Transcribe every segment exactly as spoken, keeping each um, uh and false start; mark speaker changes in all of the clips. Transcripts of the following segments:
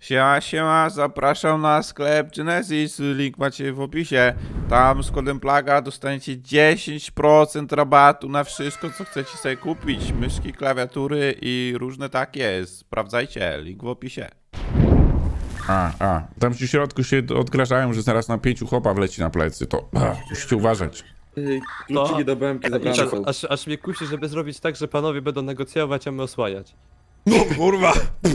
Speaker 1: Siema, siema, zapraszam na sklep Genesis, link macie w opisie. Tam z kodem plaga dostaniecie dziesięć procent rabatu na wszystko, co chcecie sobie kupić. Myszki, klawiatury i różne takie. Sprawdzajcie, link w opisie. A, a, tam w środku się odgrażają, że zaraz na pięciu chłopa wleci na plecy, to a, musicie uważać.
Speaker 2: Kluczyki do B M K zabrane
Speaker 3: Tak,
Speaker 2: są.
Speaker 3: aż, aż mnie kusi, żeby zrobić tak, że panowie będą negocjować, a my osłaniać.
Speaker 1: No kurwa!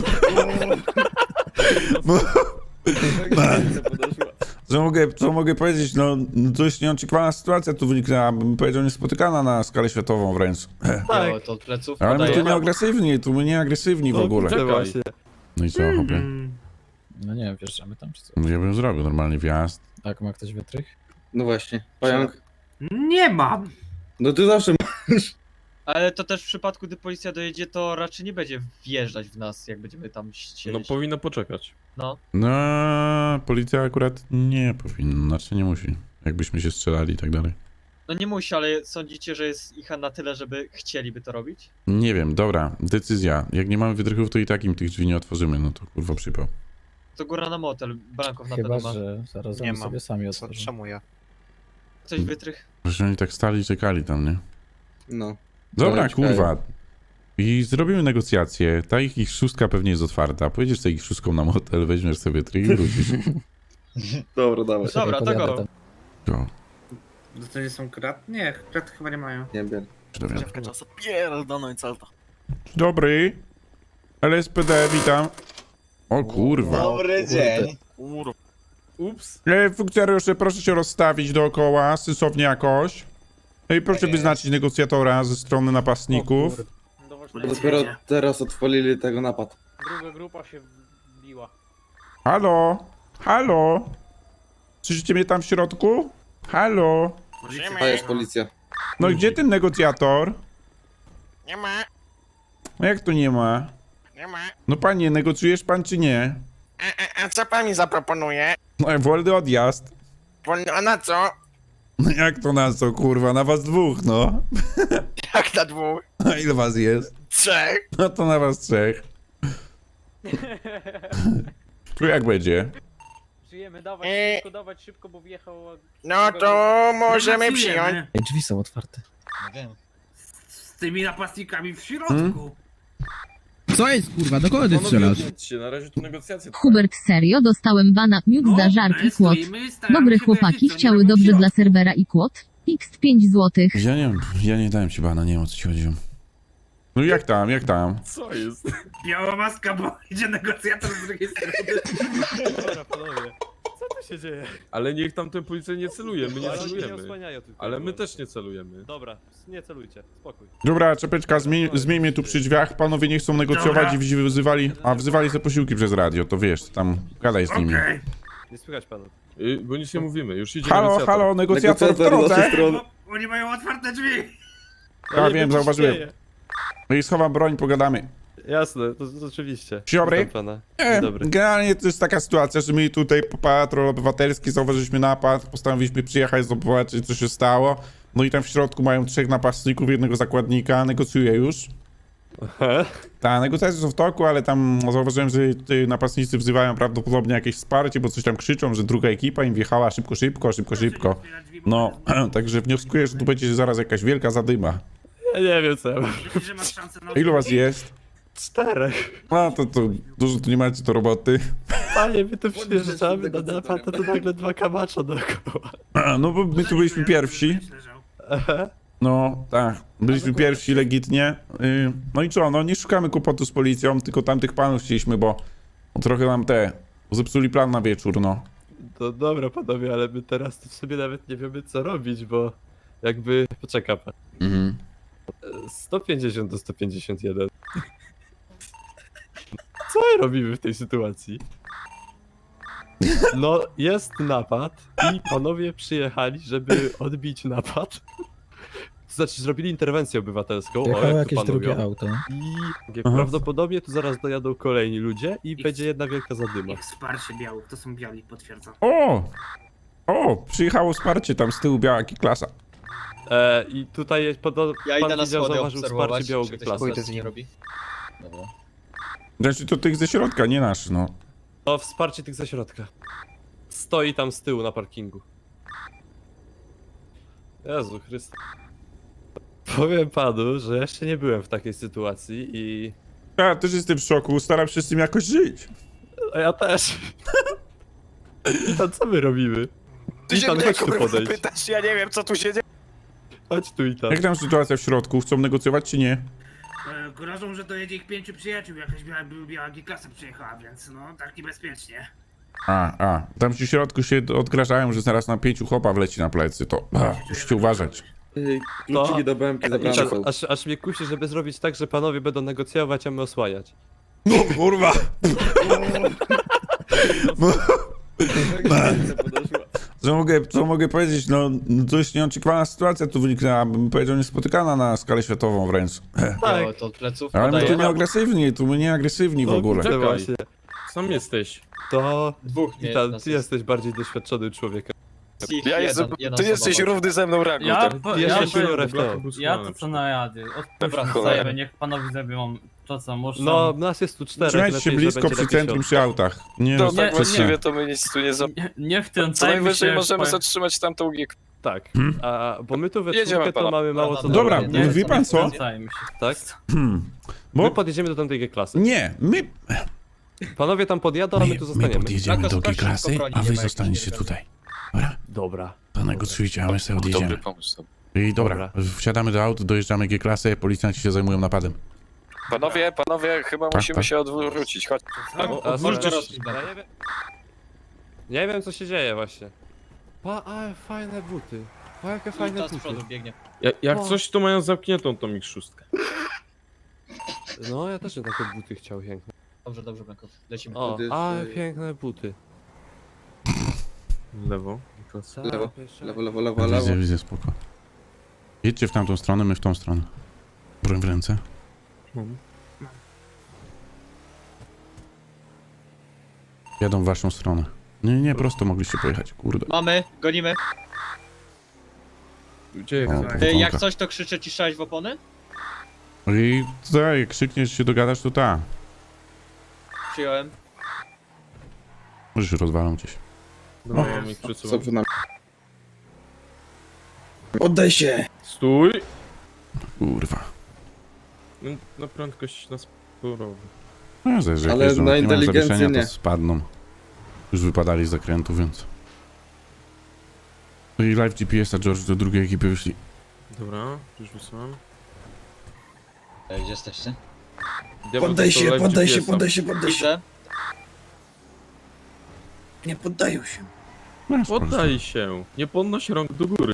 Speaker 1: Co mogę, co mogę powiedzieć, no dość nieoczekiwana sytuacja tu wyniknęła, bym powiedział niespotykana na skalę światową wręcz.
Speaker 3: Tak.
Speaker 4: Jo, to od pleców
Speaker 1: Ale my
Speaker 4: podaję.
Speaker 1: tu nie agresywni, tu my nie agresywni w ogóle.
Speaker 3: No właśnie.
Speaker 1: No i co, hopie?
Speaker 5: No nie wiem, wjeżdżamy tam czy co?
Speaker 1: Ja bym zrobił normalnie wjazd.
Speaker 5: Tak, ma ktoś wytrych?
Speaker 2: No właśnie. Pająk.
Speaker 6: Nie mam.
Speaker 2: No ty zawsze
Speaker 4: Ale to też w przypadku, gdy policja dojedzie, to raczej nie będzie wjeżdżać w nas, jak będziemy tam
Speaker 3: No
Speaker 4: siedzieć.
Speaker 3: powinno poczekać.
Speaker 4: No.
Speaker 1: No, policja akurat nie powinna, znaczy nie musi. Jakbyśmy się strzelali i tak dalej.
Speaker 4: No nie musi, ale sądzicie, że jest ich na tyle, żeby chcieliby to robić?
Speaker 1: Nie wiem, dobra, decyzja. Jak nie mamy wytrychów, to i tak im tych drzwi nie otworzymy, no to kurwa przypał.
Speaker 4: To góra na motel, Brankow na
Speaker 5: Chyba,
Speaker 4: pewno ma.
Speaker 5: że zaraz
Speaker 7: Nie
Speaker 5: oni
Speaker 7: mam.
Speaker 5: sobie sami
Speaker 7: Co,
Speaker 5: otworzą.
Speaker 7: czemu ja?
Speaker 4: Coś wytrych?
Speaker 1: Że oni tak stali i czekali tam, nie?
Speaker 2: No.
Speaker 1: Dobra,
Speaker 2: Ale czekaj.
Speaker 1: kurwa. I zrobimy negocjacje. Ta ich, ich szóstka pewnie jest otwarta. Pojedziesz sobie ich szóstką na motel, weźmiesz sobie trik i wrócisz.
Speaker 2: Dobra, dawaj.
Speaker 5: Czekaj,
Speaker 4: Dobra, to
Speaker 5: podjadę
Speaker 4: go.
Speaker 5: tam.
Speaker 1: Go.
Speaker 6: To nie są krat? Nie, krat chyba nie mają.
Speaker 2: Nie wiem.
Speaker 7: Dziewka czasu pierdolną i salto.
Speaker 1: Dobry. L S P D, witam. O kurwa.
Speaker 7: Dobry dzień. Kurwa.
Speaker 3: Ups.
Speaker 1: E, funkcjonariusze, proszę się rozstawić dookoła, sensownie jakoś. No i proszę wyznaczyć negocjatora ze strony napastników.
Speaker 2: Bo dopiero teraz odpalili tego napad.
Speaker 6: Druga grupa się wbiła.
Speaker 1: Halo? Halo? Słyszycie mnie tam w środku? Halo?
Speaker 2: A jest policja.
Speaker 1: No gdzie ten negocjator?
Speaker 7: Nie ma,
Speaker 1: No jak to nie ma?
Speaker 7: nie ma.
Speaker 1: No panie, negocjujesz pan czy nie?
Speaker 7: A, a, a co pan mi zaproponuje?
Speaker 1: No wolny odjazd.
Speaker 7: Wolno, a na co?
Speaker 1: No jak to na co, kurwa? Na was dwóch, no.
Speaker 7: Jak na dwóch?
Speaker 1: A ile was jest?
Speaker 7: Trzech?
Speaker 1: No to na was trzech. Tu jak będzie?
Speaker 6: Żyjemy, dawać
Speaker 7: Eee.
Speaker 6: szybko, dawać szybko, bo wjechał...
Speaker 7: No to możemy przyjąć.
Speaker 5: Ej, drzwi są otwarte.
Speaker 6: Z tymi napastnikami w środku.
Speaker 8: Co jest kurwa, do kogo ty strzelasz?
Speaker 3: się, na razie tu negocjacje.
Speaker 9: Hubert, serio? Dostałem bana, miód za żarki, kłot. Dobre chłopaki chciały dobrze dla serwera i kłot. X pięć złotych.
Speaker 1: Ja nie ja nie dałem ci bana, nie wiem o co ci chodziło. No jak tam, jak tam?
Speaker 3: Co jest?
Speaker 6: Biała maska, bo idzie negocjator z drugiej strony.
Speaker 3: Dobra, panowie. Co tu się dzieje? Ale niech tam ten policja nie celuje, my nie
Speaker 10: Ale oni nie
Speaker 3: celujemy.
Speaker 10: osłaniają tylko.
Speaker 3: Ale my też nie celujemy.
Speaker 10: Dobra, nie celujcie, spokój.
Speaker 1: Dobra, czepeczka, zmień, zmieńmy tu przy drzwiach, panowie nie chcą negocjować i wzi- wzywali, a wzywali te posiłki przez radio, to wiesz, tam gadaj z nimi.
Speaker 6: Okej.
Speaker 10: Nie słychać panu.
Speaker 3: Y, bo nic nie mówimy, już idzie
Speaker 1: Halo,
Speaker 3: negocjator.
Speaker 1: halo, negocjator w
Speaker 2: Negocjator z naszej
Speaker 1: drodze.
Speaker 2: strony.
Speaker 6: Bo Oni mają otwarte drzwi.
Speaker 1: Ja wiem, zauważyłem. No i schowam broń, pogadamy.
Speaker 10: Jasne, to, to oczywiście.
Speaker 1: Dzień dobry.
Speaker 10: Witam pana.
Speaker 1: Nie,
Speaker 10: Dzień dobry.
Speaker 1: generalnie to jest taka sytuacja, że my tutaj po patrol obywatelski zauważyliśmy napad, postanowiliśmy przyjechać, zobaczyć co się stało. No i tam w środku mają trzech napastników, jednego zakładnika, negocjuję już.
Speaker 10: Aha.
Speaker 1: Ta, negocjacje są w toku, ale tam zauważyłem, że ci napastnicy wzywają prawdopodobnie jakieś wsparcie, bo coś tam krzyczą, że druga ekipa im wjechała szybko, szybko, szybko, szybko. No, także wnioskuję, że tu będzie zaraz jakaś wielka zadyma.
Speaker 10: Ja nie wiem co ja mam.
Speaker 6: Myślisz, że masz szansę na...
Speaker 1: Ilu was jest?
Speaker 10: Czterech.
Speaker 1: No to, to dużo tu nie macie do roboty.
Speaker 10: Panie, my tu przyjeżdżamy na napad, a tu nagle dwa kamacza dookoła.
Speaker 1: No bo my tu byliśmy pierwsi.
Speaker 10: Aha.
Speaker 1: No, tak. Byliśmy pierwsi legitnie. Yy, No i co, no nie szukamy kłopotu z policją, tylko tamtych panów chcieliśmy, bo no, trochę nam te zepsuli plan na wieczór, no.
Speaker 10: To dobra panowie, ale my teraz to w sobie nawet nie wiemy co robić, bo jakby... Poczeka pan.
Speaker 1: Mhm.
Speaker 10: sto pięćdziesiąt do sto pięćdziesiąt jeden. Co my robimy w tej sytuacji? No, jest napad i panowie przyjechali, żeby odbić napad. To znaczy, zrobili interwencję obywatelską. o,
Speaker 5: Jechało
Speaker 10: jak to
Speaker 5: jakieś
Speaker 10: pan
Speaker 5: drugie
Speaker 10: mówią.
Speaker 5: auto.
Speaker 10: I
Speaker 1: Aha.
Speaker 10: prawdopodobnie tu zaraz dojadą kolejni ludzie i będzie jedna wielka zadyma.
Speaker 6: Ich wsparcie białych, to są biali, potwierdzam.
Speaker 1: O! O! Przyjechało wsparcie tam z tyłu, biała klasa.
Speaker 10: E, I tutaj jest podo-
Speaker 4: Ja
Speaker 10: pan
Speaker 4: idę na
Speaker 10: widział,
Speaker 4: schody
Speaker 10: zauważył
Speaker 4: obserwować,
Speaker 10: wsparcie białego
Speaker 4: czy ktoś
Speaker 10: klasy.
Speaker 4: pójdzie z nim robi.
Speaker 5: Dobra.
Speaker 1: Znaczy to tych ze środka, nie nasz, no.
Speaker 10: No, wsparcie tych ze środka. Stoi tam z tyłu na parkingu. Jezu Chryste. Powiem panu, że jeszcze nie byłem w takiej sytuacji i...
Speaker 1: Ja też jestem w szoku, staram się z tym jakoś żyć.
Speaker 10: A ja też. Witan, co my robimy?
Speaker 7: Ty się
Speaker 10: Witan,
Speaker 7: mnie
Speaker 10: chodź tu
Speaker 7: kurwa
Speaker 10: podejdź.
Speaker 7: pytasz, ja nie wiem co tu się dzieje.
Speaker 10: Chodź tu i tam.
Speaker 1: Jak tam sytuacja w środku? Chcą negocjować czy nie?
Speaker 6: E, Grożą, że dojedzie ich pięciu przyjaciół, jakaś biała, biała G-klasa przyjechała, więc no, tak niebezpiecznie.
Speaker 1: A, a. Tam ci w środku się odgrażają, że zaraz na pięciu chłopa wleci na plecy, to a, musicie uważać.
Speaker 2: Ej, kluczyki do B M K zabrane
Speaker 10: Witan,
Speaker 2: są.
Speaker 10: aż, aż mnie kusi, żeby zrobić tak, że panowie będą negocjować, a my osłaniać.
Speaker 1: No kurwa! Co mogę, co mogę powiedzieć? No, dość nieoczekiwana sytuacja tu wyniknęła, bym powiedział niespotykana na skalę światową wręcz.
Speaker 10: Tak.
Speaker 4: Jo, to od pleców
Speaker 1: Ale my tu
Speaker 4: podaję.
Speaker 1: nie agresywni, tu my nie agresywni w ogóle.
Speaker 10: No
Speaker 3: Czekaj.
Speaker 10: właśnie.
Speaker 3: Sam jesteś.
Speaker 10: To...
Speaker 4: Dwóch nie,
Speaker 10: Witan,
Speaker 4: nas
Speaker 10: ty
Speaker 4: jest.
Speaker 10: jesteś bardziej doświadczony człowiekiem.
Speaker 4: Ich
Speaker 7: Ja
Speaker 4: jeden,
Speaker 7: jestem,
Speaker 4: jedna
Speaker 7: ty
Speaker 4: osoba
Speaker 7: jesteś
Speaker 4: była.
Speaker 7: równy ze mną rangu.
Speaker 11: Ja,
Speaker 7: tak?
Speaker 11: po,
Speaker 10: Ty
Speaker 11: ja,
Speaker 10: jesteś
Speaker 11: powiem-
Speaker 10: juniorem, to.
Speaker 11: ja to co na jady.
Speaker 4: Dobra,
Speaker 11: Odpuśćmy
Speaker 7: cholera.
Speaker 11: sobie, niech panowie zrobią to co muszą.
Speaker 10: No, nas jest tu czterech,
Speaker 1: Trzymajcie się
Speaker 10: lepiej, że
Speaker 1: blisko
Speaker 10: będzie
Speaker 1: przy
Speaker 10: lepiej
Speaker 1: centrum,
Speaker 10: się
Speaker 1: przy autach. Nie,
Speaker 7: To
Speaker 1: no,
Speaker 7: tak
Speaker 11: nie,
Speaker 7: właściwie
Speaker 1: nie.
Speaker 7: to my nic tu nie za...
Speaker 11: Nie, nie
Speaker 7: Co
Speaker 11: wtrącajmy
Speaker 7: najwyżej
Speaker 11: się
Speaker 7: możemy
Speaker 11: w...
Speaker 7: zatrzymać tamtą G.
Speaker 10: Tak,
Speaker 1: Hmm?
Speaker 10: a, bo my tu we
Speaker 7: Jedziemy,
Speaker 10: czwórkę to
Speaker 7: pana.
Speaker 10: mamy mało co do
Speaker 1: Dobra,
Speaker 10: roboty,
Speaker 11: nie,
Speaker 1: wie pan co?
Speaker 11: Wtrącajmy się.
Speaker 10: tak?
Speaker 1: Hmm.
Speaker 10: My
Speaker 1: Bo
Speaker 10: podjedziemy do tamtej klasy.
Speaker 1: nie, my,
Speaker 10: Panowie tam podjadą, a my
Speaker 1: my,
Speaker 10: tu
Speaker 1: my
Speaker 10: zostaniemy.
Speaker 1: podjedziemy
Speaker 4: Jako
Speaker 1: do
Speaker 4: sprawdź
Speaker 1: G-klasy,
Speaker 4: szybko broni,
Speaker 1: a
Speaker 4: nie
Speaker 1: wy
Speaker 4: ma jakichś
Speaker 1: zostaniecie
Speaker 4: nieprawd.
Speaker 1: tutaj. Dobra,
Speaker 10: Dobra.
Speaker 1: to negocjujcie, a my sobie
Speaker 7: Dobry
Speaker 1: odjedziemy.
Speaker 7: pomysł.
Speaker 1: I dobra,
Speaker 10: Dobra.
Speaker 1: wsiadamy do aut, dojeżdżamy G-klasę, policjanci się zajmują napadem.
Speaker 7: Panowie, panowie, chyba
Speaker 1: Tak,
Speaker 7: musimy
Speaker 1: tak.
Speaker 7: się odwrócić. Chodź.
Speaker 10: O, a
Speaker 4: Odwróćcie
Speaker 10: zaraz-
Speaker 4: się.
Speaker 10: ja nie wiem... Nie wiem co się dzieje właśnie. Pa, ale fajne buty. Pa, jakie fajne
Speaker 4: Ta z
Speaker 10: buty.
Speaker 4: przodu biegnie.
Speaker 3: Ja, jak
Speaker 10: O.
Speaker 3: coś to mają zamkniętą tą ich szóstkę.
Speaker 10: No, ja też bym takie buty chciał piękne.
Speaker 4: Dobrze, dobrze, Blanko. Lecimy.
Speaker 10: O,
Speaker 2: Wtedy
Speaker 10: ale
Speaker 2: jeszcze-
Speaker 10: piękne buty.
Speaker 3: Lewo.
Speaker 2: Lewo, lewo, lewo, lewo,
Speaker 1: Widzę,
Speaker 2: lewo.
Speaker 1: widzę, spoko. Jedźcie w tamtą stronę, my w tą stronę. Broń w ręce.
Speaker 3: Mhm.
Speaker 1: Jadą w waszą stronę. Nie, nie, prosto mogliście pojechać, kurde.
Speaker 4: Mamy, gonimy.
Speaker 3: Gdzie jak
Speaker 1: O,
Speaker 4: E,
Speaker 1: powodzonka.
Speaker 4: Jak coś, to krzyczę ci strzelać w opony?
Speaker 1: I tutaj, jak krzykniesz, się dogadasz, to ta.
Speaker 4: Przyjąłem.
Speaker 1: Możesz rozwalą gdzieś.
Speaker 3: Dobra,
Speaker 1: O.
Speaker 3: mam ich przed
Speaker 2: Co
Speaker 3: sobą.
Speaker 2: przed nami? Oddaj się!
Speaker 3: Stój!
Speaker 1: Kurwa.
Speaker 3: No, na prędkość na sporowy.
Speaker 1: No, zależy, jak
Speaker 2: Ale
Speaker 1: jeżdżą,
Speaker 2: na
Speaker 1: jak nie mają
Speaker 2: inteligencję
Speaker 1: zawieszenia,
Speaker 2: nie.
Speaker 1: to spadną. Już wypadali z zakrętu, więc... No i live G P S-a, George, do drugiej ekipy wyszli.
Speaker 3: Dobra, już wysłałem.
Speaker 4: E, Gdzie jesteście?
Speaker 3: Diabeł
Speaker 2: Poddaj
Speaker 3: to
Speaker 2: się,
Speaker 3: live
Speaker 2: poddaj się,
Speaker 3: G P S-a.
Speaker 2: poddaj się, poddaj się.
Speaker 4: Widzę.
Speaker 2: Nie poddają się.
Speaker 1: No, spoko,
Speaker 3: Poddaj się, nie podnoś rąk do góry.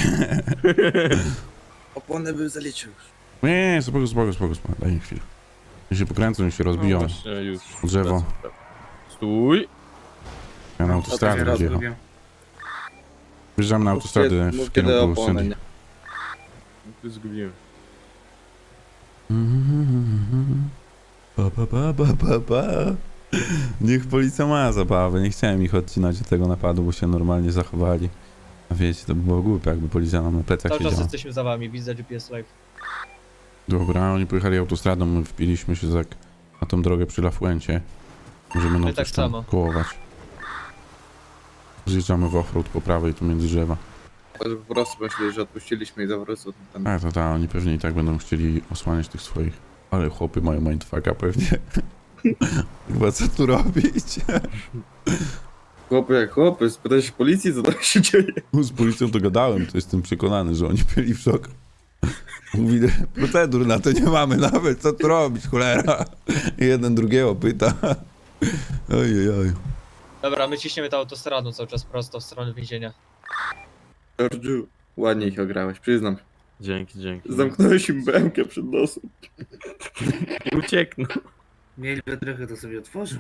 Speaker 2: Opony bym zaliczył już.
Speaker 1: Nie, nie, spoko, spoko, spoko, spoko. Daj mi chwilę. Niech się pokręcą, niech się
Speaker 3: No
Speaker 1: rozbiją.
Speaker 3: właśnie, już.
Speaker 1: Drzewo.
Speaker 3: Stój!
Speaker 1: Ja na
Speaker 2: To
Speaker 1: autostradę
Speaker 2: raz
Speaker 1: będzie jechał.
Speaker 6: Lubię.
Speaker 1: Wjeżdżam na autostradę
Speaker 2: Mów
Speaker 1: w
Speaker 2: kiedy
Speaker 1: kierunku
Speaker 2: opony,
Speaker 1: Sandy.
Speaker 2: nie?
Speaker 3: Ty zgubiłem.
Speaker 1: Pa, pa, pa, pa, pa, pa. Niech policja ma zabawę. Nie chciałem ich odcinać od tego napadu, bo się normalnie zachowali. A wiecie, to by było głupie, jakby policja nam na plecach
Speaker 4: Cały czas
Speaker 1: siedziała.
Speaker 4: jesteśmy za wami, widzę G P S live.
Speaker 1: Dobra, oni pojechali autostradą, my wpiliśmy się tak na tą drogę przy Lafuencie. Możemy
Speaker 4: My
Speaker 1: nam
Speaker 4: tak
Speaker 1: coś tam
Speaker 4: samo.
Speaker 1: kołować. Zjeżdżamy w offroad po prawej, tu między drzewa.
Speaker 2: To po prostu myśleli, że odpuściliśmy i po prostu tam...
Speaker 1: A, to ta, oni pewnie i tak będą chcieli osłaniać tych swoich. Ale chłopy mają mindfucka pewnie. Chyba co tu robić?
Speaker 2: Chłopy jak chłopy, spytaj się policji, co tam się dzieje.
Speaker 1: Z policją to gadałem, to jestem przekonany, że oni byli w szoku. Mówi, procedur na to nie mamy nawet, co tu robić, cholera. I jeden drugiego pyta. Ojej, oj.
Speaker 4: Dobra, my ciśniemy tą autostradą cały czas prosto w stronę więzienia.
Speaker 2: Georgiu, ładnie ich ograłeś, przyznam.
Speaker 3: Dzięki, dzięki.
Speaker 2: Zamknąłeś im B M K przed nosem.
Speaker 3: I uciekną.
Speaker 6: Mieli trochę, to sobie otworzył.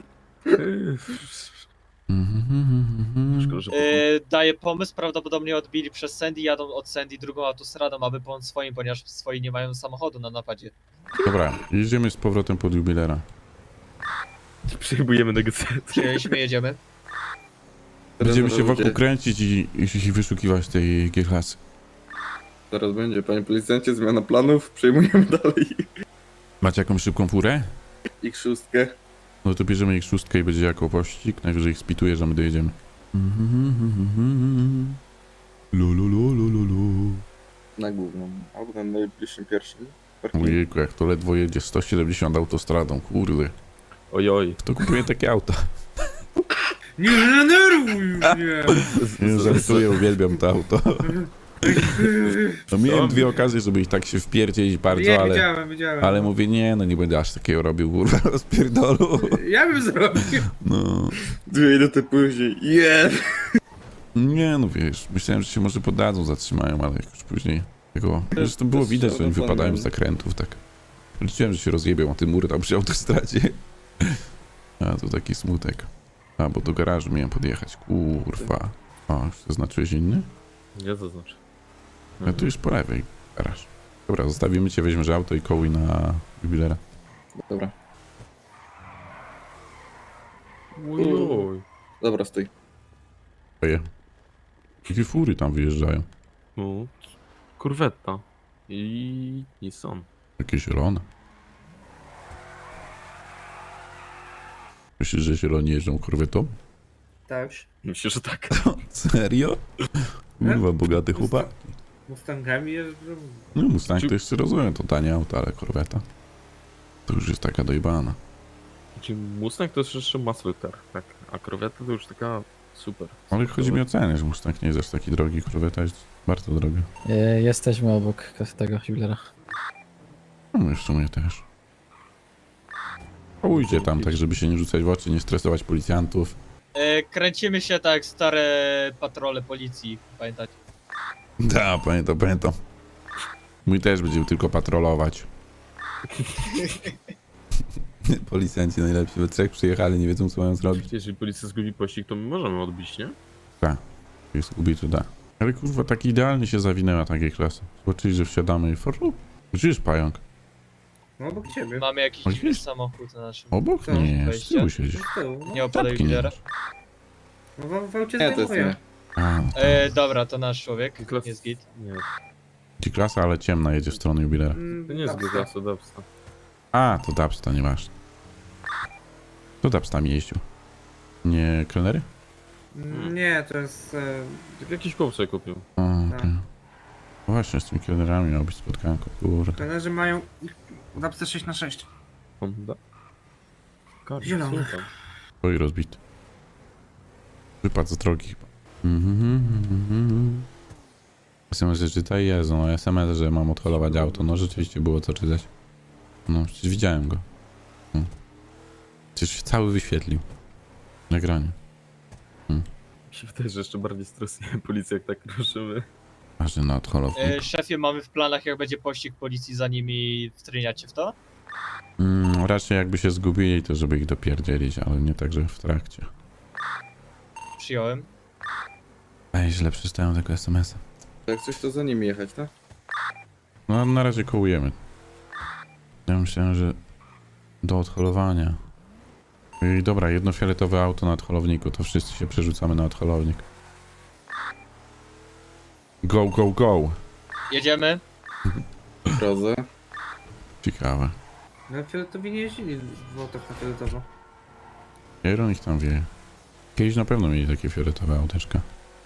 Speaker 3: Szkoda, że
Speaker 4: E, daję pomysł, prawdopodobnie odbili przez Sandy, jadą od Sandy drugą autostradą, aby po swoim, ponieważ swoi nie mają samochodu na napadzie.
Speaker 1: Dobra, jedziemy z powrotem pod jubilera.
Speaker 3: przyjmujemy negocjacje.
Speaker 4: Przyjęliśmy, jedziemy.
Speaker 1: Będziemy się
Speaker 2: Zaraz
Speaker 1: wokół
Speaker 2: będzie-
Speaker 1: kręcić i, i, i wyszukiwać tej G-klasy.
Speaker 2: Zaraz będzie, panie policjancie, zmiana planów, przejmujemy dalej
Speaker 1: Macie jakąś szybką furę?
Speaker 2: ich szóstkę.
Speaker 1: No to bierzemy ich szóstkę i będzie jako pościg. Najwyżej ich spituje, że my dojedziemy. Lululululu.
Speaker 2: Na główną, albo na najbliższym pierwszym. parkingu.
Speaker 1: Ojejku, jak to ledwo jedzie sto siedemdziesiąt autostradą, kurde.
Speaker 10: Ojoj.
Speaker 1: Kto kupuje takie auta?
Speaker 6: Nie denerwuj już mnie!
Speaker 1: Nie żartuję, uwielbiam to auto. No miałem dwie okazje, żeby ich tak się wpierdzieć bardzo,
Speaker 6: Nie,
Speaker 1: ale...
Speaker 6: widziałem, widziałem.
Speaker 1: Ale mówię, nie, no nie będę aż takiego robił, kurwa, rozpierdolu.
Speaker 6: Ja bym zrobił.
Speaker 1: No...
Speaker 2: Dwie minuty później, yeah!
Speaker 1: Nie, no wiesz, myślałem, że się może poddadzą, zatrzymają, ale już później tego... Zresztą było
Speaker 2: jest
Speaker 1: widać, że oni
Speaker 2: szalony.
Speaker 1: wypadają z zakrętów, tak. Liczyłem, że się rozjebią, a ten mur tam przy autostradzie. A, to taki smutek. A, bo do garażu miałem podjechać, kurwa. O, już zaznaczyłeś inny?
Speaker 10: Nie to znaczy.
Speaker 1: A tu już po lewej garaż. Dobra, zostawimy cię, weźmiesz auto i kołuj na jubilera.
Speaker 2: Dobra,
Speaker 10: Ojoj.
Speaker 2: dobra, stój.
Speaker 1: Oje. Jakie fury tam wyjeżdżają?
Speaker 10: No. Kurwetta. I Nissan.
Speaker 1: Jakie zielone. Myślisz, że zieloni jeżdżą korwetą?
Speaker 6: Tak.
Speaker 10: Myślę, że tak.
Speaker 1: Serio? Kurwa, bogaty chłopak.
Speaker 6: Mustangami jeżdżą.
Speaker 1: No Mustang to jeszcze rozumiem, to tanie auto, ale korweta to już jest taka dojebana.
Speaker 10: Czyli Mustang to jest jeszcze muscle car, tak? A kroweta to już taka super.
Speaker 1: Ale chodzi mi o cenę, że Mustang nie jest aż taki drogi, korweta jest bardzo droga.
Speaker 5: E, jesteśmy obok tego jubilera.
Speaker 1: No i w sumie też. Pójdzie tam, tak żeby się nie rzucać w oczy, nie stresować policjantów.
Speaker 4: E, kręcimy się tak jak stare patrole policji, pamiętacie?
Speaker 1: Da, pamiętam, pamiętam. Mój też będzie tylko patrolować. Policjanci najlepsi, we trzech przyjechali, nie wiedzą co mają zrobić.
Speaker 10: Jeżeli policja zgubi pościg, to my możemy odbić, nie?
Speaker 1: Jest gubi, to da. Ale kurwa, tak idealnie się zawinęła takiej klasy. Zobaczyli, że wsiadamy i forru. Gdzie jest pająk?
Speaker 6: No obok ciebie.
Speaker 4: Mamy jakiś
Speaker 1: Oj,
Speaker 4: dziwny
Speaker 1: jest.
Speaker 4: samochód na naszym...
Speaker 1: Obok?
Speaker 6: Co?
Speaker 1: Nie, z
Speaker 4: Wejście?
Speaker 1: tyłu siedzisz.
Speaker 6: Z tyłu, no.
Speaker 4: Nie opadaj
Speaker 1: Czapki nie
Speaker 4: lidera.
Speaker 1: masz.
Speaker 6: No w, w aucie
Speaker 2: Nie, to jest
Speaker 6: zdejmuję.
Speaker 2: nie.
Speaker 1: A,
Speaker 4: E, dobra, to nasz człowiek,
Speaker 10: Klas-
Speaker 4: jest git.
Speaker 10: Nie,
Speaker 1: ci klasa, ale ciemna jedzie w stronę jubilera.
Speaker 6: Mm,
Speaker 10: to nie jest
Speaker 6: Dubsta.
Speaker 10: G-klasa, Dubsta.
Speaker 1: A, to Dubsta, nieważne. To Dubsta mi jeździł. Nie kelnery?
Speaker 6: Mm, Nie, to jest... E,
Speaker 10: Jakiś chłop sobie kupił.
Speaker 1: O,
Speaker 6: Tak.
Speaker 1: okej. No właśnie, z tymi kelnerami miał być spotkanko, kurde.
Speaker 6: trenerzy mają... Dubsta sześć na sześć.
Speaker 10: Honda. Kar-
Speaker 6: Zielony.
Speaker 10: super.
Speaker 1: Oj, rozbity. Wypadł z drogi chyba. Mhm. S M S, że czytaj, Jezu, no S M S, że mam odholować auto. No rzeczywiście było co czytać. No, przecież widziałem go. No. Przecież się cały wyświetlił. Nagranie.
Speaker 10: Mi się wydaje, że jeszcze bardziej stresuje policję, jak tak ruszymy.
Speaker 1: Ważny na odholownik.
Speaker 4: E, szefie, mamy w planach, jak będzie pościg policji, za nimi wtryniacie w to?
Speaker 1: Mm, raczej jakby się zgubili, to żeby ich dopierdzielić, ale nie tak, że w trakcie.
Speaker 4: Przyjąłem.
Speaker 1: Ej, źle przeczytałem tego S M S-a.
Speaker 2: Jak coś, to za nimi jechać, tak?
Speaker 1: No, na razie kołujemy. Ja myślałem, że do odholowania. I dobra, jedno fioletowe auto na odholowniku, to wszyscy się przerzucamy na odholownik. Go, go, go!
Speaker 4: Jedziemy.
Speaker 2: W drodze.
Speaker 1: Ciekawe.
Speaker 6: No fioletowi nie jeździli w autach na fioletowo.
Speaker 1: Kieron ich tam wie. Kiedyś na pewno mieli takie fioletowe auteczka.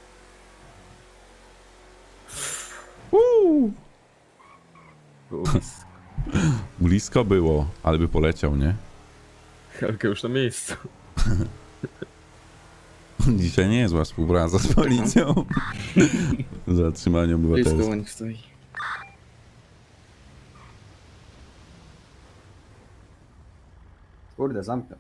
Speaker 1: Uuu.
Speaker 10: Było blisko.
Speaker 1: Blisko było, ale by poleciał, nie?
Speaker 10: Helka już na miejscu.
Speaker 1: Dzisiaj nie jest zła współpraca z policją. Zatrzymanie
Speaker 2: Blisko
Speaker 1: obywatelstwa.
Speaker 2: u nich stoi.
Speaker 12: Kurde, zamknę.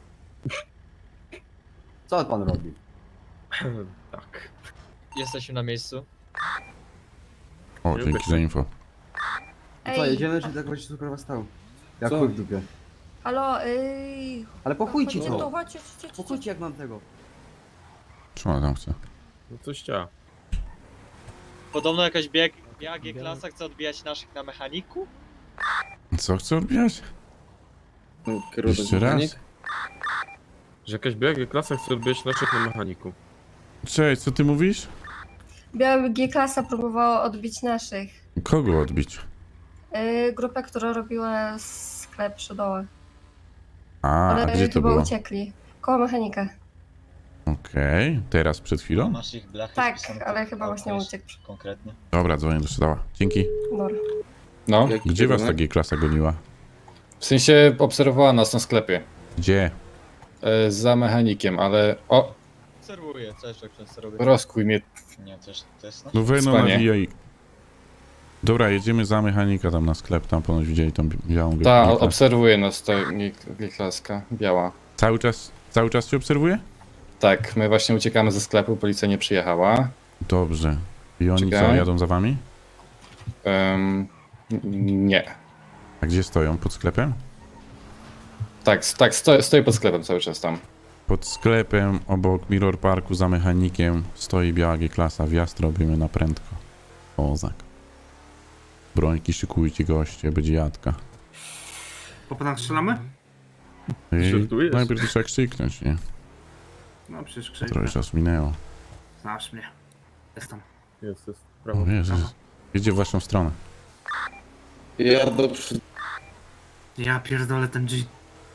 Speaker 12: Co pan robi?
Speaker 10: Tak.
Speaker 4: Jesteśmy na miejscu.
Speaker 1: O, dzięki za info.
Speaker 12: Co, jedziemy, czy tak właśnie sprawa stał? Jak
Speaker 2: Co?
Speaker 12: chuj w dupie.
Speaker 13: Halo, ej.
Speaker 12: Ale pochujcie
Speaker 13: Chodźcie tu,
Speaker 12: to!
Speaker 13: chodźcie, chodźcie, chodźcie.
Speaker 12: Pochujcie jak mam tego.
Speaker 1: Co ona tam chce?
Speaker 10: No coś chciała.
Speaker 4: Podobno jakaś bieg, biała G-klasa chce odbijać naszych na mechaniku?
Speaker 1: Co chce odbijać?
Speaker 2: No, kierunek
Speaker 1: Jeszcze raz?
Speaker 2: mechanik.
Speaker 10: Że jakaś biała G-klasa chce odbijać naszych na mechaniku.
Speaker 1: Cześć, co ty mówisz?
Speaker 13: Biała G-klasa próbowała odbić naszych.
Speaker 1: Kogo odbić?
Speaker 13: Yy, grupę, która robiła sklep przy dołach.
Speaker 1: A, a
Speaker 13: Ale
Speaker 1: gdzie to
Speaker 13: chyba
Speaker 1: było?
Speaker 13: uciekli. Koło mechanika.
Speaker 1: Okej, teraz przed chwilą?
Speaker 4: Masz ich blachy
Speaker 13: Tak,
Speaker 4: spisane,
Speaker 13: ale chyba
Speaker 4: a,
Speaker 13: właśnie
Speaker 4: to jest
Speaker 13: uciekł.
Speaker 4: Konkretnie.
Speaker 1: Dobra, dzwonię do Szydała. Dzięki.
Speaker 13: Dobra.
Speaker 5: No,
Speaker 2: Jaki
Speaker 1: Gdzie was
Speaker 2: kierunek?
Speaker 1: ta G-klasa goniła?
Speaker 5: w sensie obserwowała nas na sklepie.
Speaker 1: Gdzie?
Speaker 5: E, za mechanikiem, ale... O,
Speaker 4: Obserwuję, co jeszcze często robię.
Speaker 5: rozkuj mnie.
Speaker 4: Nie, też, też
Speaker 1: No wy no
Speaker 5: Spanie.
Speaker 1: nawijaj. Dobra, jedziemy za mechanika tam na sklep, tam ponoć widzieli tą bi- białą
Speaker 5: Ta,
Speaker 1: G-klasę.
Speaker 5: obserwuje nas ta G-klaska, biała.
Speaker 1: Cały czas, cały czas cię obserwuje?
Speaker 5: Tak, my właśnie uciekamy ze sklepu, policja nie przyjechała.
Speaker 1: Dobrze. I oni co,
Speaker 5: Czekaj.
Speaker 1: jadą za wami?
Speaker 5: Um, nie.
Speaker 1: A gdzie stoją? Pod sklepem?
Speaker 5: Tak, s- tak, stoi, stoi pod sklepem cały czas tam.
Speaker 1: Pod sklepem, obok Mirror Parku, za mechanikiem stoi biała G-klasa. Wjazd robimy na prędko. Ozak. Brońki szykujcie goście, będzie jadka.
Speaker 6: Po panach strzelamy?
Speaker 1: I
Speaker 3: Żartujesz?
Speaker 1: najpierw to trzeba krzyknąć, nie?
Speaker 6: No przecież
Speaker 1: Trochę
Speaker 6: krzyczę.
Speaker 1: czasu minęło.
Speaker 6: Znasz mnie. Jestem.
Speaker 3: Jest, jest.
Speaker 1: O
Speaker 3: Prawo.
Speaker 1: Jezus. Jedzie w waszą stronę.
Speaker 2: Ja do przy...
Speaker 6: Ja pierdolę ten G.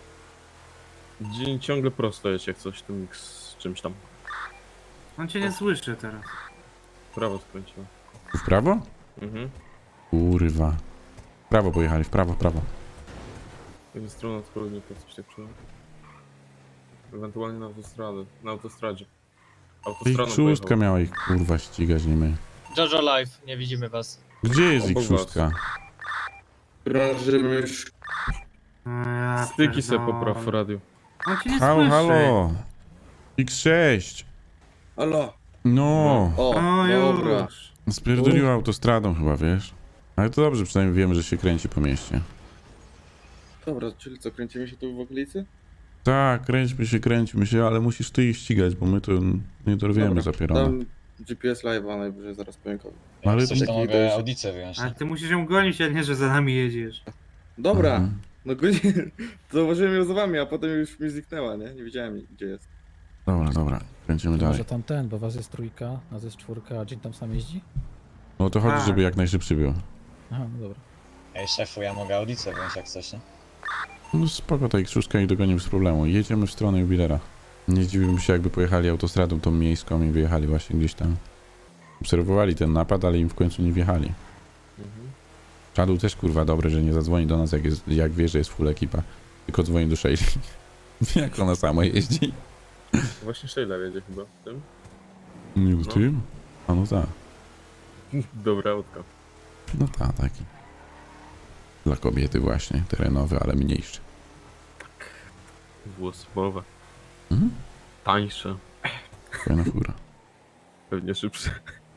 Speaker 3: Dzień ciągle prosto jest jak coś tym z czymś tam.
Speaker 6: On cię nie słyszy teraz.
Speaker 3: W prawo skręciłem.
Speaker 1: Tu w prawo?
Speaker 3: Mhm.
Speaker 1: Kurwa. W prawo pojechali, w prawo, w prawo.
Speaker 3: Ze strony odpowiednika coś tak czułem. Ewentualnie na autostradę. Na autostradzie.
Speaker 1: Ich
Speaker 3: Autostradą
Speaker 1: szóstka
Speaker 3: pojechał.
Speaker 1: miała ich kurwa ścigać, nie my.
Speaker 4: Jojo Live, nie widzimy was.
Speaker 1: Gdzie jest ich
Speaker 3: Obok was.
Speaker 1: szóstka?
Speaker 2: Krążymy już.
Speaker 6: No ja
Speaker 3: Styki se
Speaker 6: pierdolę.
Speaker 3: popraw w radiu.
Speaker 6: On cię nie
Speaker 1: Halo,
Speaker 6: słyszy.
Speaker 1: halo. X sześć.
Speaker 2: Halo.
Speaker 1: No.
Speaker 2: O,
Speaker 6: O,
Speaker 2: dobra.
Speaker 6: już.
Speaker 1: Spierdoliła autostradą chyba, wiesz? Ale to dobrze, przynajmniej wiemy, że się kręci po mieście.
Speaker 2: Dobra, czyli co, kręcimy się tu w okolicy?
Speaker 1: Tak, kręćmy się, kręćmy się, ale musisz ty ich ścigać, bo my to nie dorwiemy
Speaker 2: Dobra,
Speaker 1: zapierane.
Speaker 2: dam G P S live'a najwyżej zaraz powiem komu.
Speaker 1: Ale
Speaker 4: Coś
Speaker 1: to-
Speaker 4: to
Speaker 2: Taki
Speaker 4: mogę
Speaker 2: też-
Speaker 4: audicę wyjąć.
Speaker 6: Ale ty musisz ją gonić, a nie, że za nami jedziesz.
Speaker 2: Dobra,
Speaker 1: Mhm.
Speaker 2: no go nie... Zauważyłem ją za wami, a potem już mi zniknęła, nie? Nie wiedziałem gdzie jest.
Speaker 1: Dobra, dobra, kręcimy dalej.
Speaker 5: Może tam ten, bo was jest trójka, nas jest czwórka, a dzień tam sam jeździ?
Speaker 1: No to chodzi,
Speaker 6: Tak.
Speaker 1: żeby jak najszybciej było.
Speaker 5: Aha, no dobra.
Speaker 4: Ej szefu, ja mogę audicę wyjąć jak coś, nie?
Speaker 1: No spoko, ta ich szóstka i dogonię bez problemu. Jedziemy w stronę jubilera. Nie zdziwiłbym się, jakby pojechali autostradą tą miejską i wyjechali właśnie gdzieś tam. Obserwowali ten napad, ale im w końcu nie wjechali.
Speaker 3: Mhm.
Speaker 1: Shadow też kurwa dobry, że nie zadzwoni do nas, jak, jest, jak wie, że jest full ekipa. Tylko dzwoni do Shelly. Jak ona sama jeździ.
Speaker 3: Właśnie Sheila wiedzie chyba w tym.
Speaker 1: Nie w
Speaker 3: No.
Speaker 1: tym? A no tak.
Speaker 3: Dobra autka.
Speaker 1: No tak, taki. Dla kobiety właśnie, terenowy, ale mniejszy.
Speaker 3: Dwuosobowe.
Speaker 1: Mhm.
Speaker 3: Tańsze.
Speaker 1: Fajna fura.
Speaker 3: Pewnie szybsze.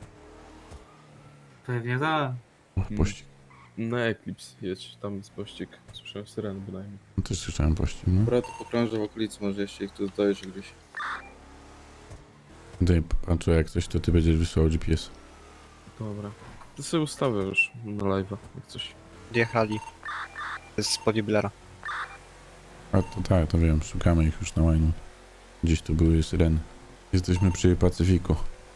Speaker 6: Pewnie tak.
Speaker 1: O, pościg.
Speaker 3: Na Eclipse jedź, tam jest pościg. Słyszałem syreny bynajmniej.
Speaker 1: No też słyszałem pościg, no.
Speaker 2: Dobra, to pokrążę w okolicy, może jeszcze ich tu dojeżdżę gdzieś.
Speaker 1: Daj, patrzę, jak coś, to ty będziesz wysłał G P S.
Speaker 3: Dobra. To sobie ustawię już na live'a, jak coś.
Speaker 4: Wjechali. To jest spod jubilera.
Speaker 1: A to tak, to wiem, szukamy ich już na łajnu. Gdzieś tu były syreny. Jesteśmy przy Pacyfiku.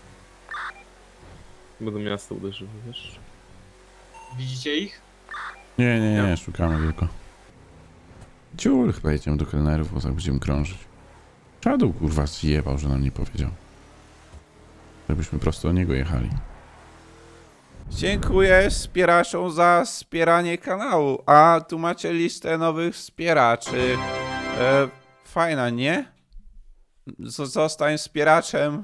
Speaker 3: Bo do miasta uderzyły, wiesz?
Speaker 4: Widzicie ich?
Speaker 1: Nie, nie, nie, szukamy tylko. Ciul, chyba jedziemy do kelnerów, bo tak będziemy krążyć. Shadow kurwa zjebał, że nam nie powiedział. Żebyśmy prosto do niego jechali. Dziękuję wspieraczom za wspieranie kanału. A tu macie listę nowych wspieraczy. E, fajna, nie? Z- Zostań wspieraczem